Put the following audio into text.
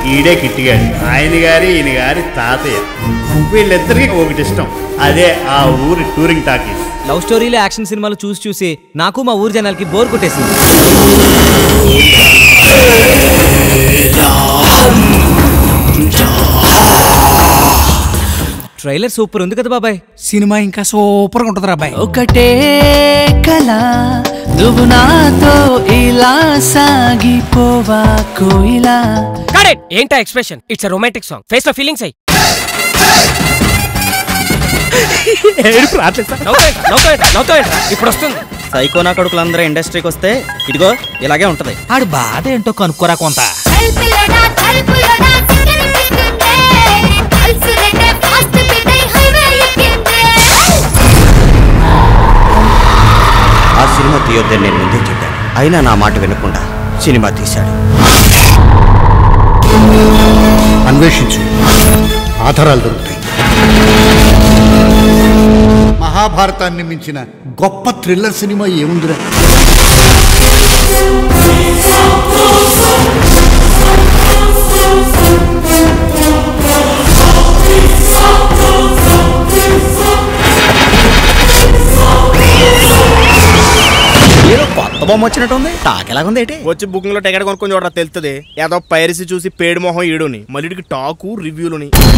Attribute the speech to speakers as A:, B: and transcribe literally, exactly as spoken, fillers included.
A: ఈడే కిట్టిగాడు, ఆయన గారి ఈయన గారి తాతయ్య. వీళ్ళిద్దరికి ఒకటి ఇష్టం, అదే ఆ ఊరి టూరింగ్ టాకీస్.
B: లవ్ స్టోరీలు యాక్షన్ సినిమాలు చూసి చూసి నాకు మా ఊరి జనాలకి బోర్ కొట్టేసింది. ట్రైలర్ సూపర్ ఉంది కదా బాబాయ్.
C: సినిమా ఇంకా సూపర్ గా ఉంటది రాబాయ్.
D: ఒకటే కళ నువ్వు నాతో ఇలా సాగిపోవా కోయిలా.
E: కరెక్ట్. ఏంటా expression? It's a romantic song. Face లో ఫీలింగ్స్ అయ్యి ఇప్పుడు వస్తుంది.
B: సైకో నా కొడుకులందరూ ఇండస్ట్రీకి వస్తే ఇదిగో ఇలాగే ఉంటది. ఆడు బాధ ఏంటో కనుక్కోరా కొంత.
F: ఆ సినిమా తీయొద్దని నేను ముందే చెప్పాను, అయినా నా మాట వినకుండా సినిమా తీశాడు.
G: అన్వేషించు, ఆధారాలు దొరుకుతాయి. మహాభారతాన్ని మించిన గొప్ప థ్రిల్లర్ సినిమా ఏముందిరా?
F: కొత్త బొమ్మ వచ్చినట్టుంది. టాక్ ఎలాగుంది ఏంటి?
H: వచ్చి బుకింగ్ లో టికెట్ కొనుక్కొని చూడరా తెలుస్తుంది. ఏదో పైరసీ చూసి పేడు మొహం ఈడుని మళ్ళీకి టాకు రివ్యూలుని.